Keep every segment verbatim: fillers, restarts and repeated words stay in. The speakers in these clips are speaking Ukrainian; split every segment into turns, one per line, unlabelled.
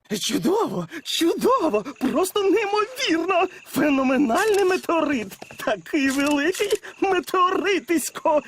Чудово, чудово, просто неймовірно. Феноменальний метеорит. Такий великий метеоритисько.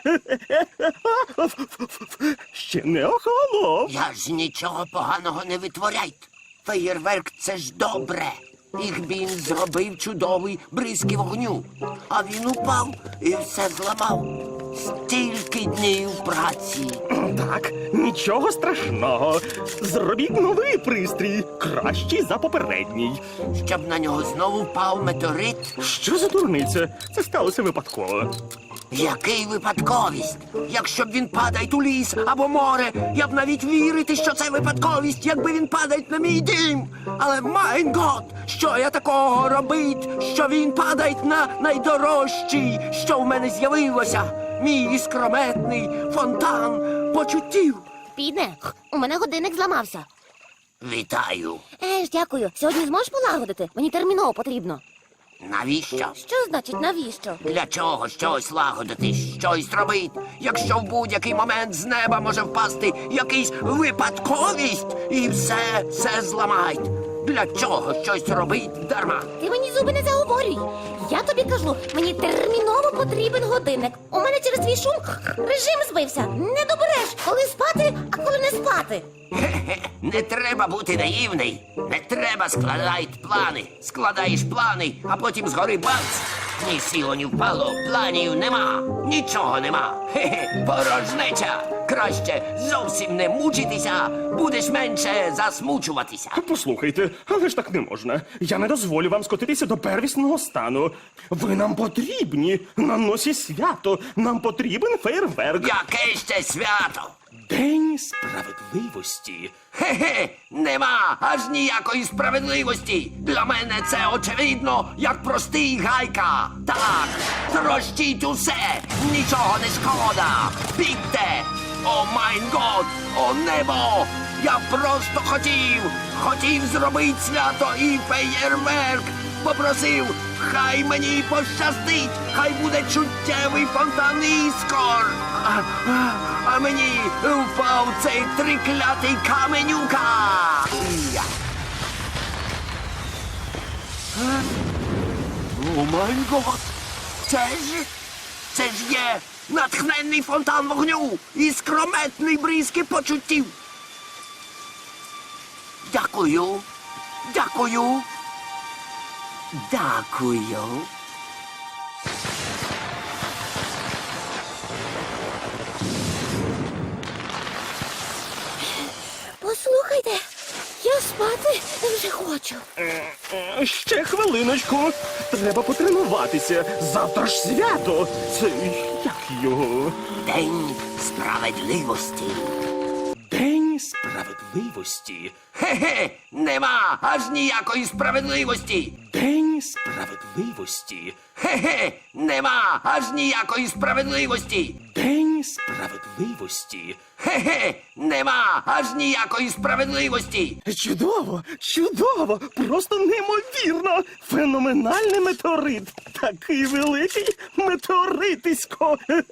Ще не охолонув.
Я ж нічого поганого не витворяйте. Феєрверк – це ж добре. Їх він зробив чудовий бризки вогню. А він упав і все зламав. Стільки днів праці.
Так, нічого страшного. Зробіть новий пристрій, кращий за попередній.
Щоб на нього знову впав метеорит.
Що за дурниця? Це сталося випадково.
Який випадковість? Якщо б він падає у ліс або море, я б навіть вірити, що це випадковість, якби він падає на мій дім. Але, майн гот, що я такого робить, що він падає на найдорожчий, що в мене з'явилося? Мій іскрометний фонтан почуттів.
Підне, у мене годинник зламався.
Вітаю.
Е ж, дякую. Сьогодні зможеш полагодити? Мені терміново потрібно.
Навіщо?
Що значить навіщо?
Для чого щось лагодити, щось робить, якщо в будь-який момент з неба може впасти якийсь випадковість і все, все зламають? Для чого щось робить дарма?
Ти мені зуби не заговорюй. Я тобі кажу, мені терміново потрібен годинник. У мене через твій шум режим збився. Не добереш, коли спати, а коли не спати.
Хе-хе, не треба бути наївний. Не треба складати плани. Складаєш плани, а потім згори бац. Ні сіло, ні впало, планів нема. Нічого нема. Хе-хе, порожнеча. Краще зовсім не мучитися, будеш менше засмучуватися.
Послухайте, але ж так не можна. Я не дозволю вам скотитися до первісного стану. Ви нам потрібні. На носі свято. Нам потрібен фейерверк.
Яке ще свято?
День справедливості.
Хе-хе, нема аж ніякої справедливості. Для мене це очевидно, як простий гайка. Так, трощіть усе, нічого не шкода. Бігте! О майн год, о небо! Я просто хотів, хотів зробити свято і феєрверк. Попросив, хай мені пощастить, хай буде чуттєвий фонтан іскор. А, а, а мені впав цей триклятий каменюка. Я. Е? О май гот! Це ж, це ж є натхненний фонтан вогню і скрометний бризки почуттів. Дякую, дякую, дякую.
Послухайте, я спати вже хочу.
Е, Ще хвилиночку. Треба потренуватися. Завтра ж свято. Це як його?
День справедливості.
День справедливості.
Хе-хе, нема аж ніякої справедливості.
День справедливості.
Хе-хе, нема аж ніякої справедливості.
День справедливості.
Хе-хе, нема аж ніякої справедливості.
Чудово, чудово, просто неймовірно. Феноменальний метеорит. Такий великий метеоритисько.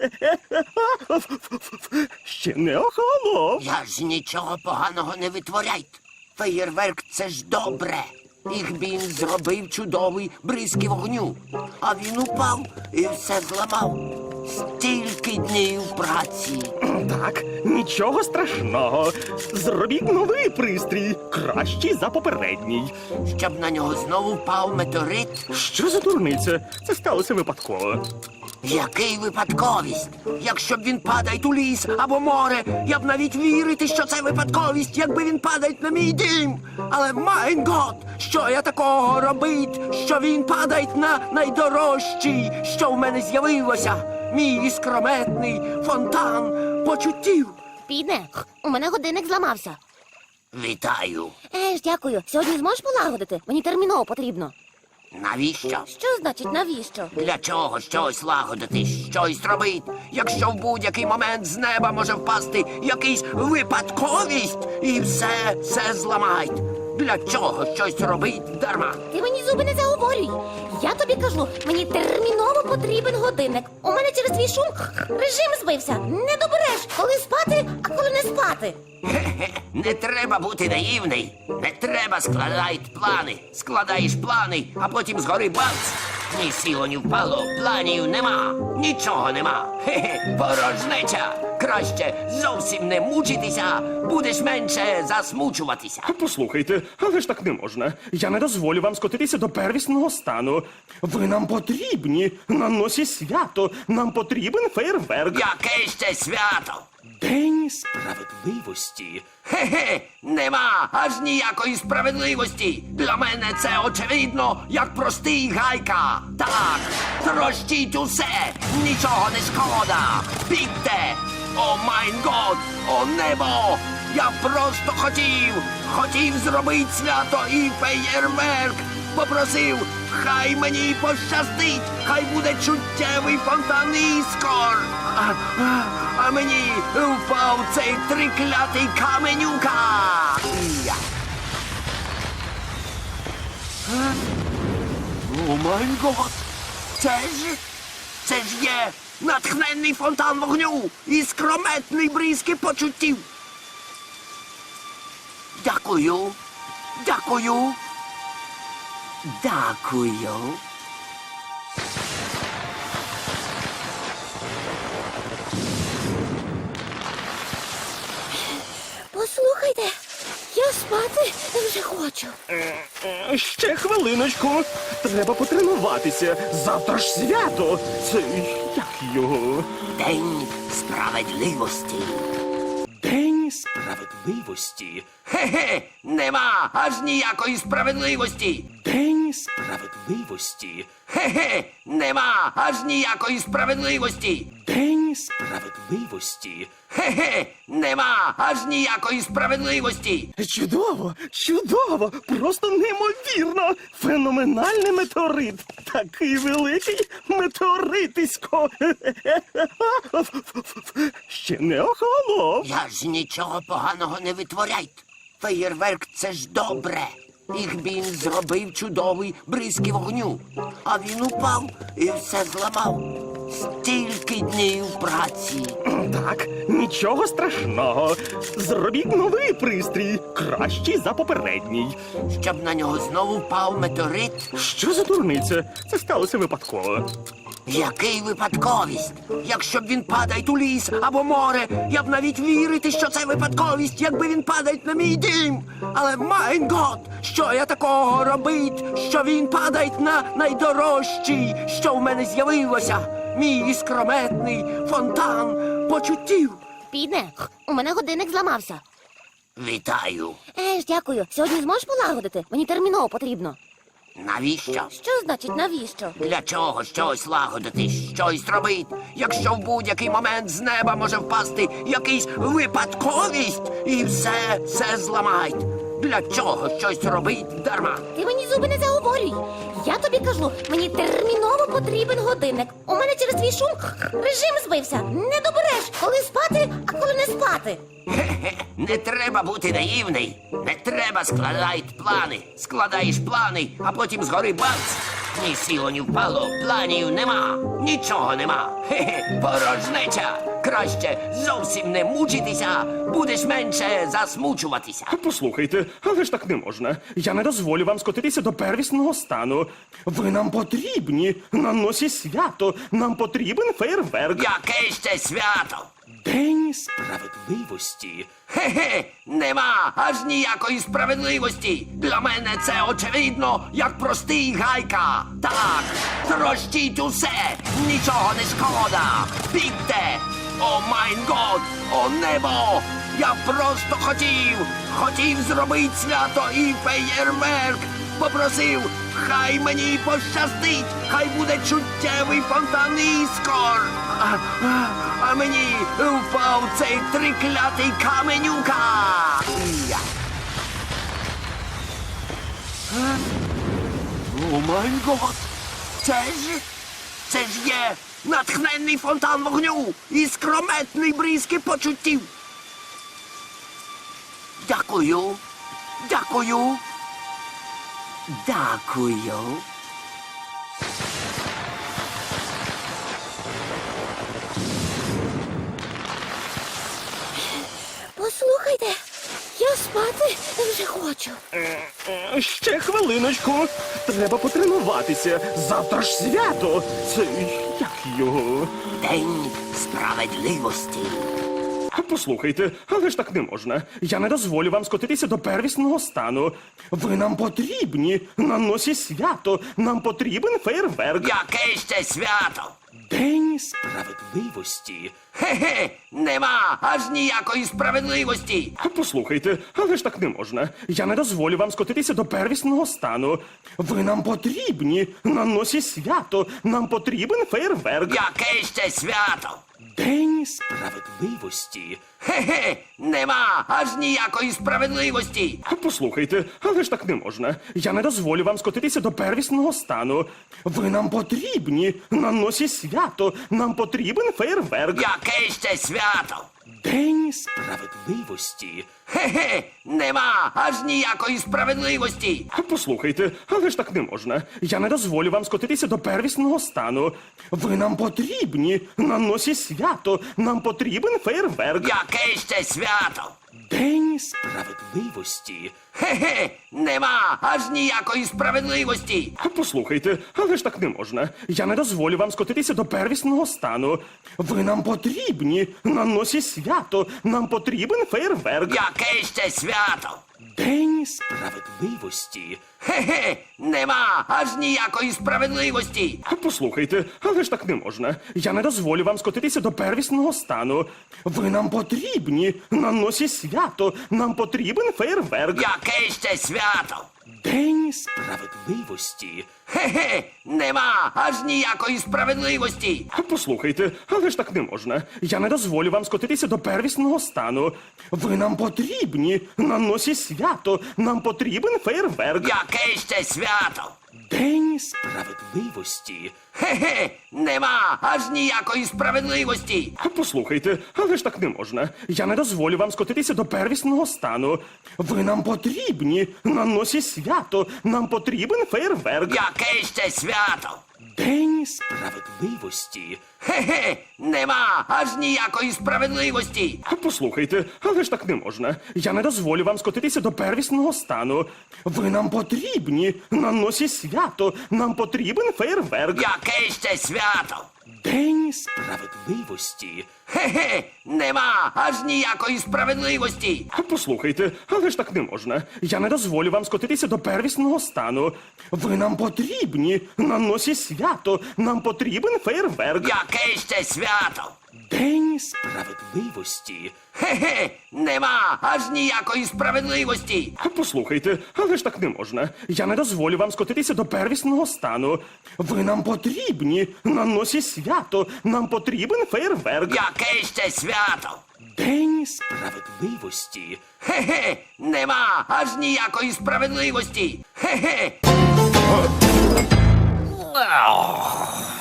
Ще не охолонув.
Я ж нічого поганого не витворяйте. Феєрверк – це ж добре. Їх він зробив чудовий бризки вогню. А він упав і все зламав. Стільки днів праці.
Так, нічого страшного. Зробіть новий пристрій, кращий за попередній.
Щоб на нього знову впав метеорит.
Що за дурниця? Це сталося випадково.
Який випадковість? Якщо б він падає у ліс або море, я б навіть вірити, що це випадковість, якби він падає на мій дім. Але, майн гот, що я такого робить, що він падає на найдорожчий, що в мене з'явилося? Мій іскрометний фонтан почуттів.
Підне, у мене годинник зламався.
Вітаю.
Е ж, дякую. Сьогодні зможеш полагодити? Мені терміново потрібно.
Навіщо?
Що значить навіщо?
Для чого щось лагодити, щось робить, якщо в будь-який момент з неба може впасти якийсь випадковість і все, все зламають? Для чого щось робить дарма?
Ти мені зуби не заговорюй. Я тобі кажу, мені терміново потрібен годинник. У мене через твій шум режим збився. Не добереш, коли спати, а коли не спати. спати.
Хе-хе, не треба бути наївний. Не треба складати плани. Складаєш плани, а потім згори бац. Ні сіло, ні впало, планів нема, нічого нема. Хе-хе, порожнеча. Краще зовсім не мучитися, будеш менше засмучуватися.
Послухайте, але ж так не можна. Я не дозволю вам скотитися до первісного стану. Ви нам потрібні. На носі свято. Нам потрібен фейерверк.
Яке ще свято?
День справедливості.
Хе-хе, нема аж ніякої справедливості. Для мене це очевидно, як простий гайка. Так, трощіть усе, нічого не шкода. Бігте! О майн год, о небо! Я просто хотів, хотів зробити свято і феєрверк. Попросив, хай мені пощастить, хай буде чуттєвий фонтан іскор. А, а, а мені впав цей триклятий каменюка. Я. Е? О май гот! Це ж, це ж є натхненний фонтан вогню і скрометний бризки почуттів. Дякую, дякую. Дякую.
Послухайте, я спати вже хочу.
Е, Ще хвилиночку. Треба потренуватися. Завтра ж свято. Це як його?
День справедливості.
День справедливості.
Хе-хе, нема аж ніякої справедливості.
День справедливості.
Хе-хе, нема аж ніякої справедливості.
День справедливості.
Хе-хе, нема аж ніякої справедливості.
Чудово, чудово, просто неймовірно. Феноменальний метеорит. Такий великий метеоритисько. Ще не охолонув.
Я ж нічого поганого не витворяйте. Феєрверк це ж добре. Їх він зробив чудовий бризки вогню. А він упав і все зламав. Стільки днів праці.
Так, нічого страшного. Зробіть новий пристрій, кращий за попередній.
Щоб на нього знову впав метеорит.
Що за дурниця? Це сталося випадково.
Який випадковість? Якщо б він падає у ліс або море, я б навіть вірити, що це випадковість, якби він падає на мій дім. Але майн гот, що я такого робить, що він падає на найдорожчий, що в мене з'явилося. Мій іскрометний фонтан почуттів.
Підне, у мене годинник зламався.
Вітаю.
Еж, дякую. Сьогодні зможеш полагодити? Мені терміново потрібно.
Навіщо?
Що значить навіщо?
Для чого щось лагодити, щось робити, якщо в будь-який момент з неба може впасти якийсь випадковість і все, все зламають. Для чого щось робить дарма?
Ти мені зуби не заговорюй. Я тобі кажу, мені терміново потрібен годинник. У мене через твій шум режим збився. Не добереш, коли спати, а коли не спати.
Хе-хе, не треба бути наївний. Не треба складати плани. Складаєш плани, а потім згори бац. Ні сіло, ні впало, планів нема, нічого нема. Хе-хе, порожнеча. Краще зовсім не мучитися, будеш менше засмучуватися.
Послухайте, але ж так не можна. Я не дозволю вам скотитися до первісного стану. Ви нам потрібні. На носі свято. Нам потрібен фейерверк.
Яке ще свято?
День справедливості.
Хе-хе, нема аж ніякої справедливості. Для мене це очевидно, як простий гайка. Так, трощіть усе, нічого не шкода. Бігте! О майн год, о небо! Я просто хотів, хотів зробити свято і феєрверк. Попросив, хай мені пощастить, хай буде чуттєвий фонтан іскор. А, а, а мені впав цей триклятий каменюка. Я. Е? О май гот! Це ж, це ж є натхненний фонтан вогню і скрометний бризки почуттів. Дякую, дякую. Дякую.
Послухайте, я спати вже хочу.
Е, е, Ще хвилиночку. Треба потренуватися. Завтра ж свято. Це як його?
День справедливості.
Послухайте, але ж так не можна. Я не дозволю вам скотитися до первісного стану. Ви нам потрібні. На носі свято. Нам потрібен фейерверк.
Яке ще свято?
День справедливості.
Хе-хе, нема аж ніякої справедливості.
Послухайте, але ж так не можна. Я не дозволю вам скотитися до первісного стану. Ви нам потрібні. На носі свято. Нам потрібен фейерверк.
Яке ще свято?
День справедливості.
Хе-хе, нема аж ніякої справедливості.
Послухайте, але ж так не можна. Я не дозволю вам скотитися до первісного стану. Ви нам потрібні. На носі свято. Нам потрібен фейерверк.
Яке ще свято?
День справедливості.
Хе-хе, нема аж ніякої справедливості.
Послухайте, але ж так не можна. Я не дозволю вам скотитися до первісного стану. Ви нам потрібні. На носі свято. Нам потрібен фейерверк.
Яке ще свято?
День справедливості.
Хе-хе, нема аж ніякої справедливості.
Послухайте, але ж так не можна. Я не дозволю вам скотитися до первісного стану. Ви нам потрібні. На носі свято. Нам потрібен фейерверк.
Яке ще свято?
День справедливості.
Хе-хе, нема аж ніякої справедливості.
Послухайте, але ж так не можна. Я не дозволю вам скотитися до первісного стану. Ви нам потрібні. На носі свято. Нам потрібен фейерверк.
Яке ще свято?
День справедливості.
Хе-хе, нема аж ніякої справедливості.
Послухайте, але ж так не можна. Я не дозволю вам скотитися до первісного стану. Ви нам потрібні. На носі свято. Нам потрібен фейерверк.
Яке ще свято?
День справедливості.
Хе-хе, нема аж ніякої справедливості.
Послухайте, але ж так не можна. Я не дозволю вам скотитися до первісного стану. Ви нам потрібні. На носі свято. Нам потрібен фейерверк.
Яке ще свято?
День справедливості.
Хе-хе, нема аж ніякої справедливості.
Послухайте, але ж так не можна. Я не дозволю вам скотитися до первісного стану. Ви нам потрібні. На носі свято. Нам потрібен фейерверк.
Яке ще свято?
День справедливості.
Хе-хе, нема аж ніякої справедливості.
Послухайте, але ж так не можна. Я не дозволю вам скотитися до первісного стану. Ви нам потрібні. На носі свято. Нам потрібен фейерверк.
Яке ще свято?
День справедливості.
Хе-хе, нема аж ніякої справедливості.
Послухайте, але ж так не можна. Я не дозволю вам скотитися до первісного стану. Ви нам потрібні. На носі свято. Нам потрібен фейерверк.
Яке ще свято?
День справедливості.
Хе-хе, нема аж ніякої справедливості. Хе-хе.